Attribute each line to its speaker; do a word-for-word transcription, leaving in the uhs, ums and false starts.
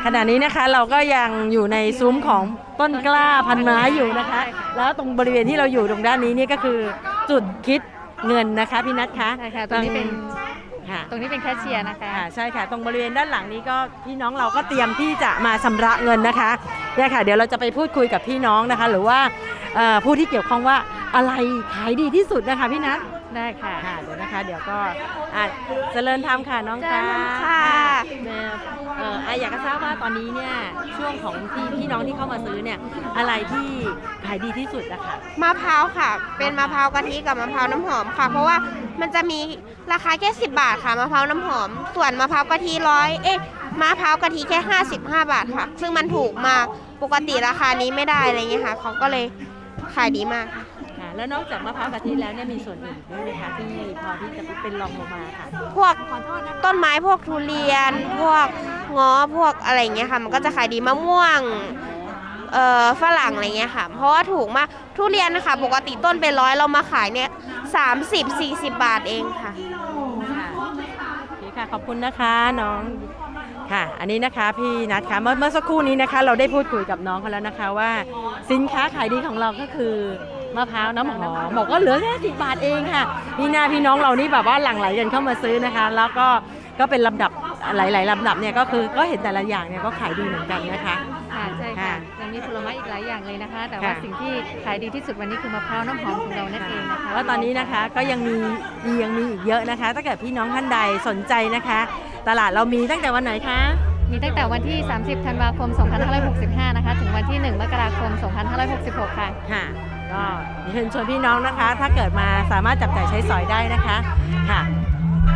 Speaker 1: ขณะนี้นะคะเราก็ยังอยู่ในซุ้มของต้นกล้าพันไม้อยู่นะคะแล้วตรงบริเวณที่เราอยู่ตรงด้านนี้นี่ก็คือจุดคิดเงินนะคะพี่นัทคะ
Speaker 2: ใช่ค่ะตรงนี้เป็น
Speaker 1: ค่ะ
Speaker 2: ตรงนี้เป็นแคชเชียร์นะคะ
Speaker 1: ค่ะใช่ค่ะตรงบริเวณด้านหลังนี้ก็พี่น้องเราก็เตรียมที่จะมาชำระเงินนะคะเนี่ยค่ะเดี๋ยวเราจะไปพูดคุยกับพี่น้องนะคะหรือว่าผู้ที่เกี่ยวข้องว่าอะไรขายดีที่สุดนะคะพี่นัท
Speaker 2: ได้ค่ะ
Speaker 1: ค่ะเดี๋ยวนะคะเดี๋ยวก็เจริญธรรมค่ะน้องค่ะ
Speaker 2: ค่ะ
Speaker 1: เอออยากจะทราบว่าตอนนี้เนี่ยช่วงของที่พี่น้องที่เข้ามาซื้อเนี่ยอะไรที่ขายดีที่สุดนะคะ
Speaker 3: มะพร้าวค่ะเป็นมะพร้าวกะทิกับมะพร้าวน้ำหอมค่ะเพราะว่ามันจะมีราคาแค่สิบบาทค่ะมะพร้าวน้ำหอมส่วนมะพร้าวกะทิร้อยเอ๊ะมะพร้าวกะทิแค่ห้าสิบห้าบาทค่ะซึ่งมันถูกมากปกติราคานี้ไม่ได้อะไรเงี้ยค่ะเขาก็เลยขายดีมากค่ะ
Speaker 1: แล้วนอกจากมะพร้าวกะทิแล้วเนี่ยมีส่วนอื่นด้วยไหมคะที่พอที่จะเป็นรองลงมาค่ะ
Speaker 3: พวกต้นไม้พวกทุเรียนพวกง้อพวกอะไรเงี้ยค่ะมันก็จะขายดีมะม่วงเอ่อฝรั่งอะไรเงี้ยค่ะเพราะว่าถูกมากทุเรียนนะคะปกติต้นเป็นร้อยเรามาขายเนี่ยสามสิบสี่สิบบาทเองค่ะ
Speaker 1: ค่ะโอเคค่ะขอบคุณนะคะน้องค่ะอันนี้นะคะพี่นัทค่ะเมื่อเมื่อสักครู่นี้นะคะเราได้พูดคุยกับน้องเขาแล้วนะคะว่าสินค้าขายดีของเราก็คือมะพร้าวน้ำหอมบอกว่าเหลือแค่สิบบาทเองค่ะพี่นาพี่น้องเรานี่แบบว่าหลั่งไหลกันเข้ามาซื้อนะคะแล้วก็ก็เป็นลำดับหลายๆลำดับเนี่ยก็คือก็เห็นแต่ละอย่างเนี่ยก็ขายดีเหมือนกันนะคะ
Speaker 2: ค่ะใช่ค่ะยังมีผลไม้อีกหลายอย่างเลยนะคะแต่ว่าสิ่งที่ขายดีที่สุดวันนี้คือมะพร้าวน้ำหอมของเรานั่นเองนะคะ
Speaker 1: แล้วตอนนี้นะคะก็ยังมียังมีอีกเยอะนะคะถ้าเกิดพี่น้องท่านใดสนใจนะคะตลาดเรามีตั้งแต่วันไหนคะ
Speaker 2: มีตั้งแต่วันที่สามสิบธันวาคมสองพันห้าร้อยหกสิบห้านะคะถึงวันที่หนึ่งมกราคมสองพันห้าร้อยหกสิบหกค่ะ
Speaker 1: ค่ะก็เชิญชวนพี่น้องนะคะถ้าเกิดมาสามารถจับจ่ายใช้สอยได้นะคะค่ะ